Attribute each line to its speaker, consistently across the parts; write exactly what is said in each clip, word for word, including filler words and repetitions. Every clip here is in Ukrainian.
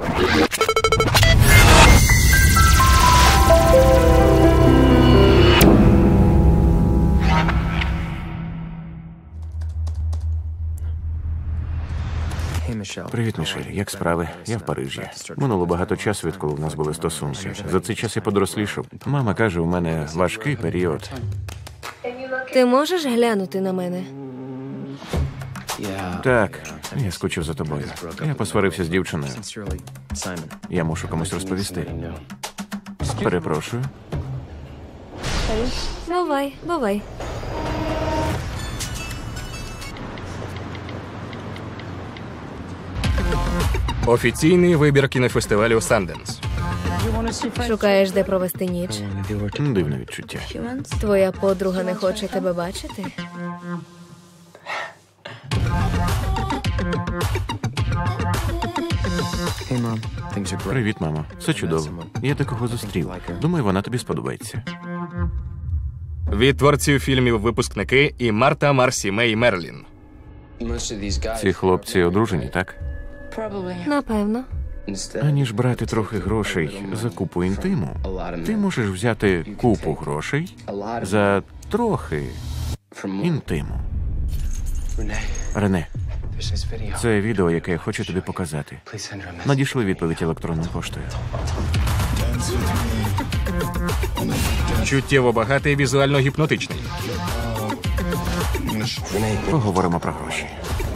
Speaker 1: Привіт, Мішель. Як справи? Я в Парижі. Минуло багато часу, відколи в нас були стосунки. За цей час я подорослішав. Мама каже, у мене важкий період.
Speaker 2: Ти можеш глянути на мене?
Speaker 1: Так, я скучив за тобою. Я посварився з дівчиною. Я мушу комусь розповісти. Перепрошую.
Speaker 2: Бувай, бувай.
Speaker 3: Офіційний вибір кінофестивалю Санденс.
Speaker 2: Шукаєш, де провести ніч?
Speaker 1: Дивне відчуття.
Speaker 2: Твоя подруга не хоче тебе бачити?
Speaker 1: Привіт, мамо. Все чудово. Я такого зустрів. Думаю, вона тобі сподобається.
Speaker 3: Від творців фільмів «Випускники» і Марта Марсі Мей Мерлін.
Speaker 1: Ці хлопці одружені, так?
Speaker 2: Напевно.
Speaker 1: Аніж брати трохи грошей за купу інтиму, ти можеш взяти купу грошей за трохи інтиму. Рене, це відео, яке я хочу тобі показати. Надійшли відповідь електронною поштою.
Speaker 3: Чуттєво багатий, візуально гіпнотичний.
Speaker 1: Поговоримо про гроші.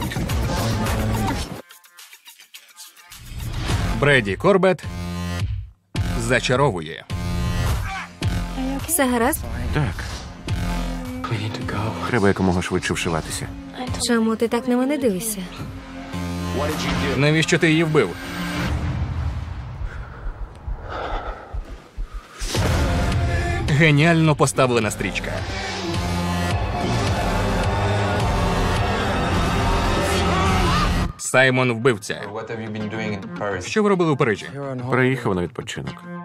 Speaker 3: Бреді Корбет зачаровує.
Speaker 2: Все гаразд?
Speaker 1: Так. Треба якомога швидше вшиватися.
Speaker 2: Чому ти так на мене дивишся?
Speaker 3: Навіщо ти її вбив? Геніально поставлена стрічка. Саймон вбивця. Що ви робили у Парижі?
Speaker 1: Приїхав на відпочинок.